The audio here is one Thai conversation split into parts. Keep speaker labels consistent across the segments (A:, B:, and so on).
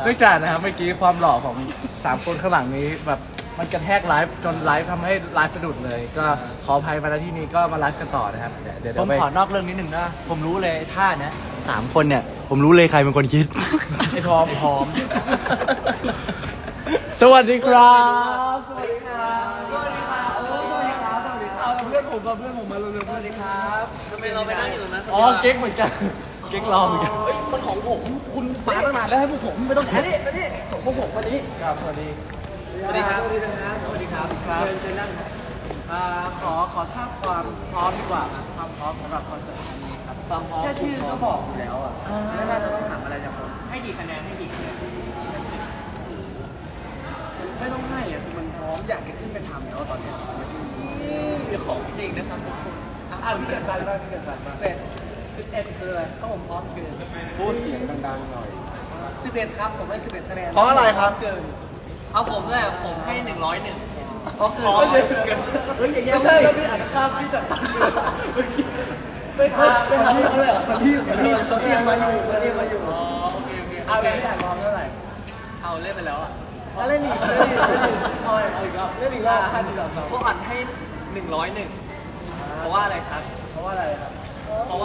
A: เนื่องจากนะครับเมื่อกี้ความหล่อของ3คนข้างหลังนี้แบบมันกระแทกไลฟ์จนไลฟ์ทำให้ไลฟ์สะดุดเลย ก็ขออภัยมาณที่นี้ก็มาไลฟ์กันต่อนะครับเดี๋ยว
B: ผม
A: ไป
B: ขอนอกเรื่องนิดหนึ่งนะผมรู้เลยท่าเนี้ย3 คนเนี่ยผมรู้เลยใครเป็นคนคิด
A: ไอ้พร้อม
B: ไอ้พร้อม
A: สวัสดีครับสวัสดีครับสวัสดีครับสวัสดีครับสวัสดีครับเพื่อนผมมาเร็วๆสวัสดีครับทำไมเราไปนั่งอยู่ตรงนั้นอ๋อเก๊กเหมือนกันเก๊กรอเหมือนกัน
C: มันของผมคุณมาตั้งนานแล้วให้พวกผมไม่ต้องอันนี้ของพวกผมวันนี้
A: ครับสวัสดี
C: สวัสดีครับสวัสดีครับสวัสดีครับเชิญนั่ง
A: ขอทราบความพร้อมดีกว่าครับความพร้อมสำหรับคอนเสิร์ตครั้งนี้ครับความพร้อม
C: แค่ชื่อก็บอกอยู่แล้วอ่ะไม่น่าจะต้องถามอะไรจากผม
A: ให้กี่คะแนนให้กี่คะแนน
C: ไม่ต้องให้อ่ะคือมันพร้อมอยากจะขึ้นไปทำแล้วตอนเนี้ย
A: เป็นของจริงนะครับทุกคนพี่เกิดบันบ้างพี่เกิดบันบ้าง11คืออะไรถ้าผมพร้อมเกิน
B: พูดเสียงดังๆหน่อย
C: 11ครับผมให้11คะแนน
B: เพราะอะไรครับ
C: เกิน
A: เอาผมเลยผมให้101
C: เพราะเกิน เฮ้ยอย่าแย่
A: ไม่
C: ง
A: ใช่
C: ดิ
A: แล้วพี่อ่านข้ามพี่จัดตังค์เมื่อกี้ไม่ทันเขาเลยเหรอ
C: เขาเรียกมาอยู่เขาเรียกมาอยู่
A: อ๋อโอเคเอาเลยพี่อ่านพร้อมเท่าไหร่เอาเล่นไปแล้วอ่ะ
C: เล่นอีก
A: เอาอีกรอบ
C: เล่นอีกรอบ
A: 5 4 3 2
D: พวกอัดให้101เพราะว่าอะไรครับ
A: เพราะว่าอะไรครับ
D: เพราะว่า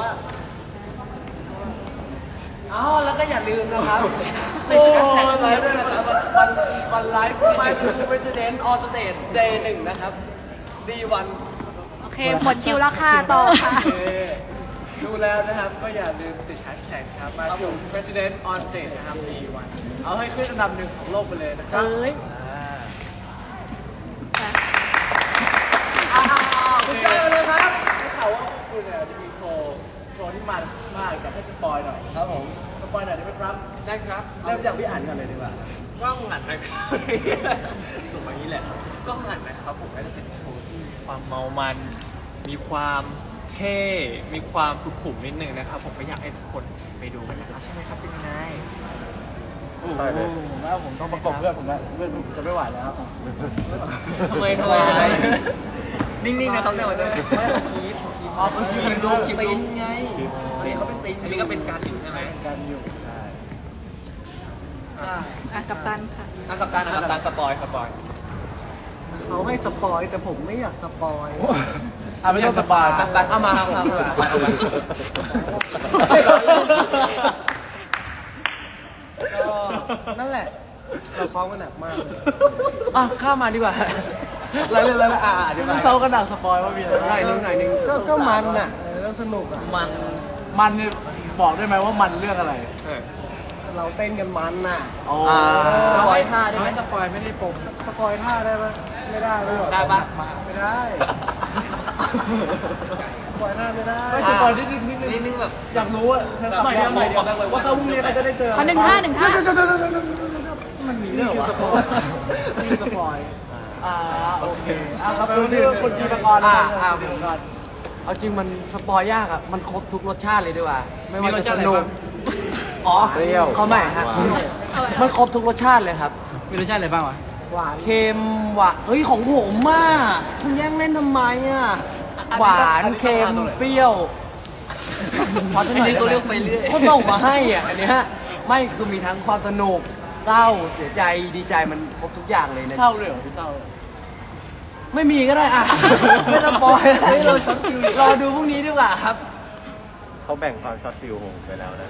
C: อ๋อแล้วก็อย่าลืมนะครับ
A: โอ้ไลฟ์ด้วยนะครับวันไลฟ์
C: My True President on Stage Day 1 นะครับ D1
E: โอเค หมดคิวแล้วค่ะ ต่อค่ะ
A: โอเคดูแล้วนะครับก็อย่าลืมติดแฮชแท็กครับมาถึง President on Stage นะครับปีวันเอาให้ขึ้นอันดับ1ของโลกไปเลยนะครับ
E: เอ้ย
A: คุณเจอเลยครับได้ข่าวว่าคุณเนี่ยจะมีโชว์ที่มันมากอยากให้สปอยหน่อย
C: ครับผม
A: สปอยหน่อยได้ไหมครับ
D: ได้ครับ
C: เริ่มจากพี่อ่านกันเลยดีกว่า
D: กล้องหันนะครับถูกแบบนี้แหละกล้องหันนะครับผมก็จะเป็นโชว์ที่มีความเมามัน มีความเท่ มีความสุขุมนิดนึงนะครับ ผมก็อยากให้ทุกคนไปดูกันนะครับ ใช่ไหมครับจิมินาย
A: ใช่เลยผมว่าผมต้องประกบเพื่อนผมแล้วเพื่อนผมจะไม่ไหวแล้ว
D: ทำไมนิ่งๆนะครับในวันนี้
C: ไม่เอาคีบ
A: อ๋อคือ
C: คีบดูคีบตีนไงอันนี้เขาเป็นตีน
D: อันนี้ก็เป็นการอยู่ใช่ไหม
A: กันอยู่ใช่
E: อ่ะ กัปตันค่ะ
D: อ่ะกับตันนะครับตันสปอย
C: เขาให้สปอยแต่ผมไม่อยากสปอย
A: ไม่ต้องสปอย
C: ตัดเอามาครับนั่นแหละ เราซ้อมกันหนักมากอ่ะข้ามมาดีกว่าอะไรเรื่องอะไรดีกว่า
A: เขากระดักสปอยว่ามีอะไร
C: หน่อยนึงก็มันน่ะแล้วสนุกอ่ะ
A: มันเนี่ยบอกได้ไหมว่ามันเรื่องอะไร
C: เราเต้นกันมันน่ะ
A: อ๋อ
C: สปอยท่าได้ไหม
A: สปอยไม่ได้ปกสปอยท่าได้ไหมไม่ได้ไม่
D: ได้ปะ
A: ไม่ได้สปอยท่าไม่ได้ไม่สปอยนิดนึง
D: นิดนึงแบบ
A: อยากรู้อะว่าเขาพรุ่งนี้เขาจะได้เจอ
E: ขอหนึ่งท่าหนึ่งท่า
A: มันมีเรื่องสปอยมีสปอยโอเคครับดูที่คนกีฬากร
C: เอาจริงมันสปอยยากอ่ะมันครบทุกรสชาติเลยดีกว่าไม่ว่า
D: มีรส
C: จะ
D: ชาติ
C: ส
D: อะไร
C: นุก
D: บ้าง
C: อ๋อเขาใหม่ฮะมันครบทุกรสชาติเลยครับ
D: มีรสชาติอะไรบ้างวะ
C: หวานเค็มหวานเฮ้ยของผมมากคุณแย่งเล่นทำไมอ่ะหวานเค็มเปรี้ยวพอ
D: อันนี้เขาเลือกไปเรื่อย
C: เขาส่งมาให้อ่ะอันเนี้ยไม่คือมีทั้งความสนุกเศร้าเสียใจดีใจมันครบทุกอย่างเลยนะ
A: เศร้าเลยเหรอพี่เศร้า
C: ไม่มีก็ได้อ่ะ ไม่ต้องปล่อยรอดูพรุ่งนี้ดีกว่าครับ
B: เขาแบ่งความช็อตฟิลของผมไปแล้วนะ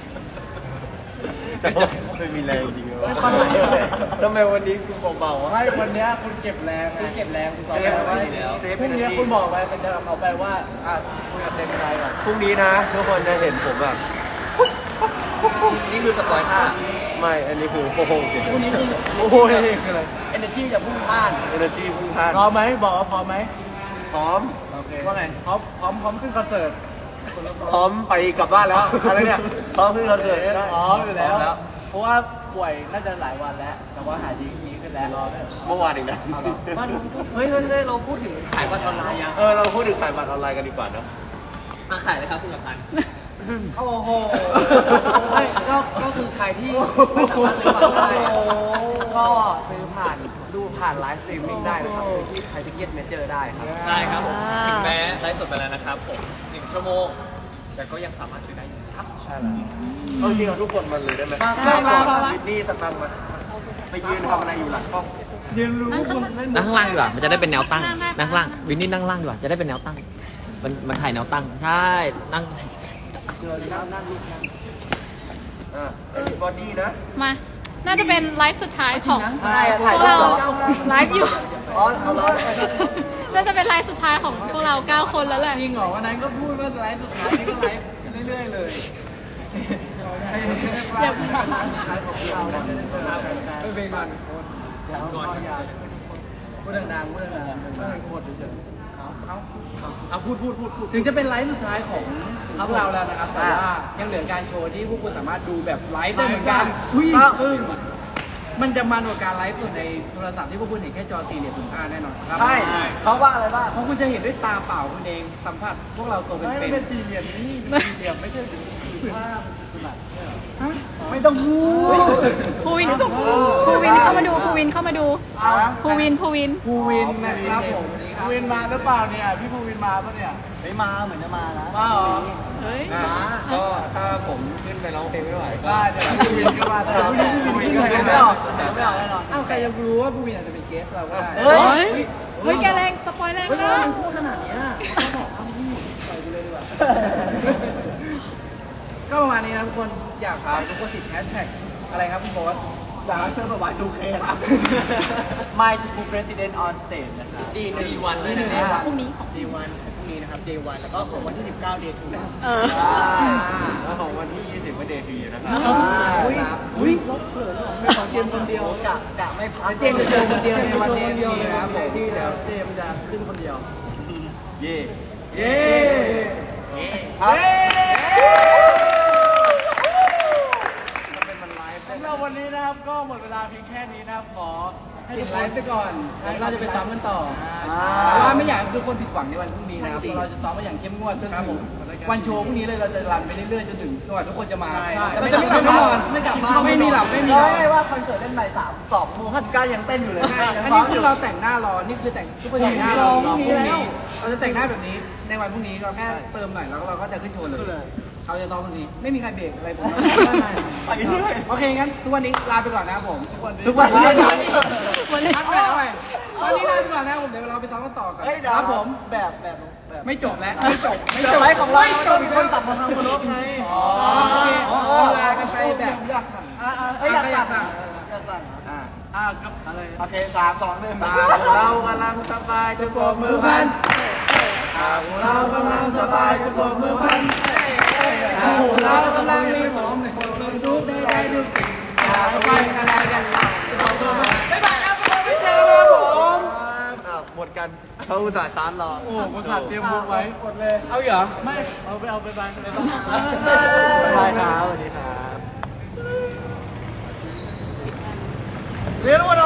B: แต่ว่าไม่มีแรงจริงๆวะทำไมวันนี้คุณเบาๆวะ
A: ให้วันนี้คุณเก็บแรงคุณเก็บแรงคุณบอกไว้
B: เซฟ
A: พรุ่งนี้คุณบอกไว้สัญญากับเขาไปว่าคุยกับเต็มใจก่อน
B: พรุ่งนี้นะทุกคนจะเห็นผมแบบ
D: นี่คือสปอยท่า
B: ไม่ อันนี้คือโอ้โห
C: พรุ่งนี้คือ
A: โอ้โหนี่คืออะไร
C: energy จะพุ่งพล่าน
B: เอเนอร์จีพุ่งพลาด
A: พร้อมไหมบอกว่าพร้อมไหม
B: พร้อม
A: โอเค
C: ว่าไง
A: พร้อมขึ้นคอนเสิร์ต
B: พร้อมไปกลับบ้านแล้ว อะไรเนี่ย พร้อมขึ้นคอนเสิร์ตได้
A: พร้อมอยู่แล้ว
B: พร้ม
A: เพราะว่าป่วยน่าจะหลายวันแล้ว แต่ว่าหายดีขึ้นแล้วรอได้
B: เมื่อวานอีกนะ
C: มัน
D: เฮ้ยเราพูดถึงขายบัตรออนไลน์ยัง
B: เราพูดถึงขายบัตรออนไลน์กันดีกว่าเนอะ
D: มาขายเลยครับคุณกับตัน
C: โอ้โหไม่ก็คือใครที่ไม่สามารถซื้อบัตรได้ก็ซื้อผ่านดูผ่านไลฟ์สตรีมมิ่งได้นะครับคือที่ไทยทิเก็ตเมเจอร์ได้ครับ
D: ใช่ครับผมถึงแม้ไลฟ์สดไปแล้วนะครับผม1 ชั่วโมง แต่ก็ยังสามารถซื้อได้อยู่
B: ใช่แล้วเอาจริงเอาทุกคนมาเลยได้ไหม
E: มา
B: วินนี่สตังค์มาไปยืนทำอะไรอยู่หลังกล้อง
E: นั่งข้างล่าง
A: นั่งข้างล่างดีกว่ามันจะได้เป็นแนวตั้งนั่งข้างล่างวินนี่นั่งข้างล่างดีกว่าจะได้เป็นแนวตั้งมันถ่ายแนวตั้งใช่นั่ง
B: เจอเลยครับนั่งลูกนั่งบอดี้นะ
E: มา น่าจะเป็นไลฟ์สุดท้ายของ
C: ถ่าย
E: พวกเราไลฟ์อยู่
B: อ๋อเอาร้อน
E: น่าจะเป็นไลฟ์สุดท้ายของพวกเรา 9 คนแล้วแหละ
C: จริงเหรอวันนั้นก็พูดว่าไลฟ์สุดท้ายนี่ก็ไลฟ์เรื่อยๆเลย
E: อย่า
C: ไม่เป็นมันพูดดังๆพูดดังๆไม่หมดเฉยเอาพูดถึงจะเป็นไลฟ์สุดท้ายของพวกเราแล้วนะครับแต่ว่ายังเหลือการโชว์ที่พวกคุณสามารถดูแบบไลฟ์ได้เหมือนกันมันจะมันกว่าการไลฟ์สดในโทรศัพท์ที่พวกคุณเห็นแค่จอสี่เหลี่ยมผืนผ้าแน่นอนครับ
B: ใช่เพราะว่าอะไรบ้าง
C: เพราะคุณจะเห็นด้วยตาเปล่าคุณเองสัมผัสพวกเราตัวเป็นๆเป็นสี่เหลี่ยมนี่สี่เหลี่ยมไม่ใช่ผืนผ้าไม่ต้องพูด
E: ภูวินเข้ามาดูภูวินเข้ามาดูภูวิน
C: ภูวินนะครับผมภูวินมาหรือเปล่าเนี่ยพี่ภูวินมาปะเนี่ย
B: ไม่มาเหมือนจะมานะ
C: มาเหรอ
E: เฮ้ย
B: ก็ถ้าผมขึ้นไปร้องเพลงไม่ไหวก็
C: ได้เดี๋ยวภูวินก็มาแต่ภูวินก็
B: ไม่ออกแน่นอน
C: อ้าวใครจะรู้ว่าภูวินอาจจะเป็นเกสเราก็ได้
B: เฮ้ย
E: เฮ้ยแกแรงสปอยแรงนะ
C: พูดขนาดนี้ปล่อยกูเลยดีกว่าก็ประมาณนี้นะทุกคนอยากฝากทุกคนติดแฮชแท็กอะไรครับคุณโบ๊ทอยากเชิญประวัติดูเคครับ
B: My School President on Stage นะครับ
D: ดีวันเลย
C: นี่
D: นะ
E: พรุ่งนี้ของ
B: Day 1ของพรุ่งนี้นะครับ Day 1แล้วก็ของวันที่ 19 Day 2
E: เออ
B: แล้วของวันที่ 20 ก็ Day 3นะครับ
C: อุ้ยลบเฉยไม่ของเจมคนเดียวกะไม่พักเจมจะเจอคนเดียวในวันนี้นะครับผมที่เดี๋ยวเจมจะขึ้นคนเดียว
B: เย่
C: เย้
B: ครับ
C: สำหรับวันนี้นะครับก็หมดเวลาเพียงแค่นี้นะครับขอให้ทุกคนไลฟ์ไปก่อนเราจะไปซ้อมกันต่อแต่ว่าไม่อยากให้ทุกคนผิดหวังในวันพรุ่งนี้นะครับเราจะซ้อมมาอย่างเข้มงวดจนถึงวันโชว์พรุ่งนี้เลยเราจะรันไปเรื่อยๆจนถึงจนกว่าทุกคนจะมาเราจะไม่กลับบ้านไม่กลับบ้านไม่มีหลับไม่มีนอน
B: ไม่ว่าคอนเสิร์ตเล่นใหม่2 โมง 59ยังเต้นอยู่เลย
C: อันนี้คือเราแต่งหน้ารอนี่คือแต่งทุกคนแต่งหน้ารอพรุ่งนี้แล้วเราจะแต่งหน้าแบบนี้ในวันพรุ่งนี้เราแค่เติมหน่อยแล้วเราก็จะขึ้นโชว์เลยเขาจะซ้อมพรุ่งนี้ไม่มีใครเบรกอะไรผม
B: ไปเรื่อย
C: โอเคงั้นทุกวันนี้ลาไปก่อนนะครับผม
B: ทุกวันนี้
C: วันนี้พักไปแล้วไปวันนี้ลาไปก่อนนะครับผมเดี๋ยวเราไปซ้อมกันต่อกัน
B: เฮ้ยเดี๋ยว
C: ครับผม
B: แบบ
C: ไม่จบแล้วไม่จบ
B: ไลฟ์ของเรา
C: ไม่จ
B: ต้
C: บ
B: อง
C: อี
B: มี
C: ก
B: ค
C: แล้
B: น
C: ว
B: ตัดมาทำโคโลไง
C: โอเคลากันไปแบบอยากสั่งอยากสั่งกับอะไร
B: โอเค3 2 1เรากำลังสบายจะโบกมือพันเรากำลังสบายจะโบกมือพัน
C: เรากำลังมีผมทุกใดๆทุกสิ่งอย่าไปอะไรกันบ๊ายบายครับทุกคนไม่เจอกันครับผม
B: หมดกันเขาอุตส่าห์ชาร์จรอ
C: โอ้ผมขาดเตรียมบุกไว้หมดเลยเอาเหรอไม่เอาไปบายไปบ้าง
B: บายครับสวัสดีครับ
C: เรียนรู้ว่า